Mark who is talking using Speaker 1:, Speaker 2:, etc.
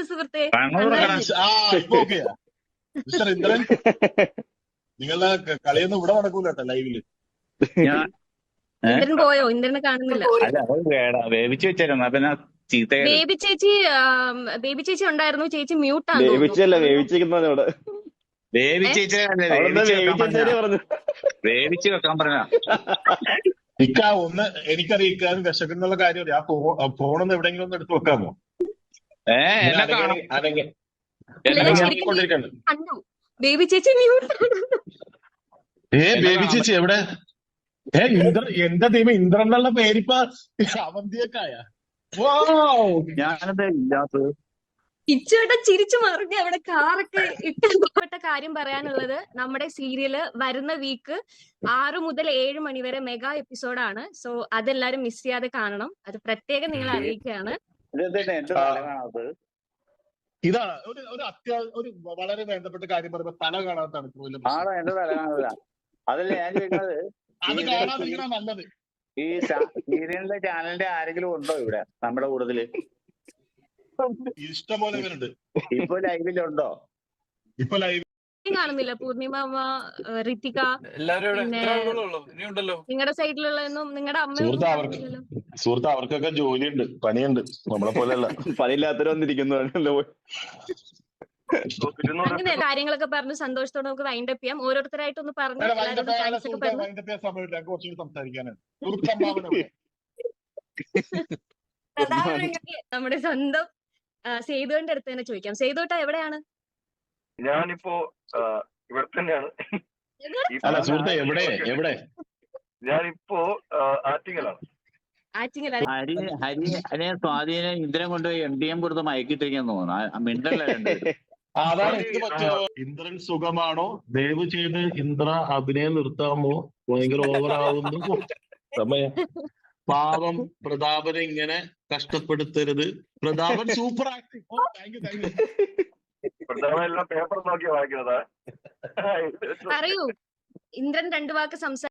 Speaker 1: സുഹൃത്തെ?
Speaker 2: കണ്ണൂർ
Speaker 3: ഇപ്പൊ ഓക്കെയാ മിസ്റ്റർ ഇന്ദ്രൻ? നിങ്ങളുടെ കളിയൊന്നും ഇവിടെ നടക്കൂല കേട്ടോ ലൈവില്.
Speaker 2: ഞാൻ
Speaker 1: ഇന്ദ്രൻ പോയോ? ഇന്ദ്രനെ കാണുന്നില്ല.
Speaker 2: അല്ല അത് വേവിച്ച് വെച്ചായിരുന്നു. അപ്പൊ ഞാൻ ചീത്തയായത്.
Speaker 1: ബേബി ചേച്ചി ഉണ്ടായിരുന്നു. ചേച്ചി മ്യൂട്ടാന്ന്
Speaker 4: വേവിച്ചല്ല
Speaker 1: തോന്നുന്നു.
Speaker 4: വേവിച്ചിരിക്കുന്നവിടെ
Speaker 2: വേവിച്ച്
Speaker 4: പറഞ്ഞു.
Speaker 2: വേവിച്ച് വെക്കാൻ പറഞ്ഞ
Speaker 3: ഇക്ക ഒന്ന് എനിക്കറിയാം ഇക്കാരും വിശക്കുന്നുള്ള കാര്യം. ആ ഫോണൊന്ന് എവിടെയെങ്കിലും ഒന്ന് എടുത്ത് വെക്കാമോ?
Speaker 2: എന്നെ കാണാം.
Speaker 1: കണ്ടു ബേബി ചേച്ചി മ്യൂട്ടാണ്.
Speaker 3: ബേബി ചേച്ചി എവിടെ? എന്റെ ദൈവം ഇന്ദ്രൻ എന്നുള്ള പേരിപ്പ അവന്തിയൊക്കായ.
Speaker 2: ഞാനെന്താ ഇല്ലാത്തത്?
Speaker 1: കിച്ചുവേട്ടൻ ചിരിച്ചു മറിഞ്ഞ് അവിടെ കാറൊക്കെ ഇട്ടപ്പെട്ട കാര്യം പറയാനുള്ളത്, നമ്മുടെ സീരിയല് വരുന്ന വീക്ക് 6 മുതൽ 7 മണി വരെ മെഗാ എപ്പിസോഡാണ്. സോ അതെല്ലാരും മിസ് ചെയ്യാതെ കാണണം. അത് പ്രത്യേകം നിങ്ങളെ അറിയിക്കുകയാണ്.
Speaker 3: ഇതാണ് ഒരു വളരെ വേണ്ടപ്പെട്ട കാര്യം പറയുമ്പോ തല കാണാത്താണ്
Speaker 2: എന്റെ തല കാണൂല. അതല്ല ഞാൻ ചോദിക്കുന്നത്,
Speaker 3: അത് കാണാതിരിക്കണ നല്ലത്.
Speaker 2: ഈ സീരിയലിന്റെ ചാനലിന്റെ ആരെങ്കിലും ഉണ്ടോ ഇവിടെ നമ്മുടെ കൂട്ടത്തില്?
Speaker 3: ഇഷ്ടംപോലെ പേരുണ്ട്.
Speaker 2: ഇപ്പൊ ലൈവിലുണ്ടോ?
Speaker 3: ഇപ്പൊ ലൈവ്
Speaker 1: കാണുന്നില്ല. പൂർണിമ അമ്മ, ഋതിക, നിങ്ങളുടെ സൈഡിലുള്ളതൊന്നും നിങ്ങളുടെ അമ്മ.
Speaker 3: സുഹൃത്ത് അവർക്കൊക്കെ ജോലിയുണ്ട്, പണിയുണ്ട്. നമ്മളെ പോലെയല്ല.
Speaker 4: പണിയില്ലാത്തവർ വന്നിരിക്കുന്നു.
Speaker 1: അങ്ങനെ കാര്യങ്ങളൊക്കെ പറഞ്ഞ് സന്തോഷത്തോടെ നമുക്ക് വൈൻഡ് അപ്പ് ചെയ്യാം. ഓരോരുത്തരായിട്ടൊന്ന് പറഞ്ഞു
Speaker 3: സംസാരിക്കാനാണ്.
Speaker 1: നമ്മുടെ സ്വന്തം സേതുവിന്റെ അടുത്ത് തന്നെ ചോദിക്കാം. സേതുട്ടാ എവിടെയാണ്?
Speaker 5: ഞാനിപ്പോ ഇവിടെ തന്നെയാണ്.
Speaker 3: അല്ല സുഹൃത്തെ എവിടെ?
Speaker 5: ഞാനിപ്പോ ആറ്റിങ്ങലാണ്.
Speaker 2: ഹരിയെ സ്വാധീനം ഇന്ദ്രൻ കൊണ്ടുപോയി MDM കൊടുത്ത് മയക്കിട്ടിരിക്കാൻ തോന്നുന്നു. മിണ്ടല്ലേ?
Speaker 3: അതാണ് എന്ത് പറ്റുമോ? ഇന്ദ്രൻ സുഖമാണോ? ദയവ് ചെയ്ത് ഇന്ദ്ര അഭിനയം നിർത്താമോ? ഭയങ്കര ഓവറാവുന്നു സമയം. പാവം പ്രതാപനെ ഇങ്ങനെ കഷ്ടപ്പെടുത്തരുത്. Prathapan super acting. Thank you.
Speaker 5: Prathapan എല്ലാം പേപ്പർ നോക്കി വായിക്കുന്നതാ.
Speaker 1: പറയൂ, ഇന്ദ്രൻ 2 വാക്ക്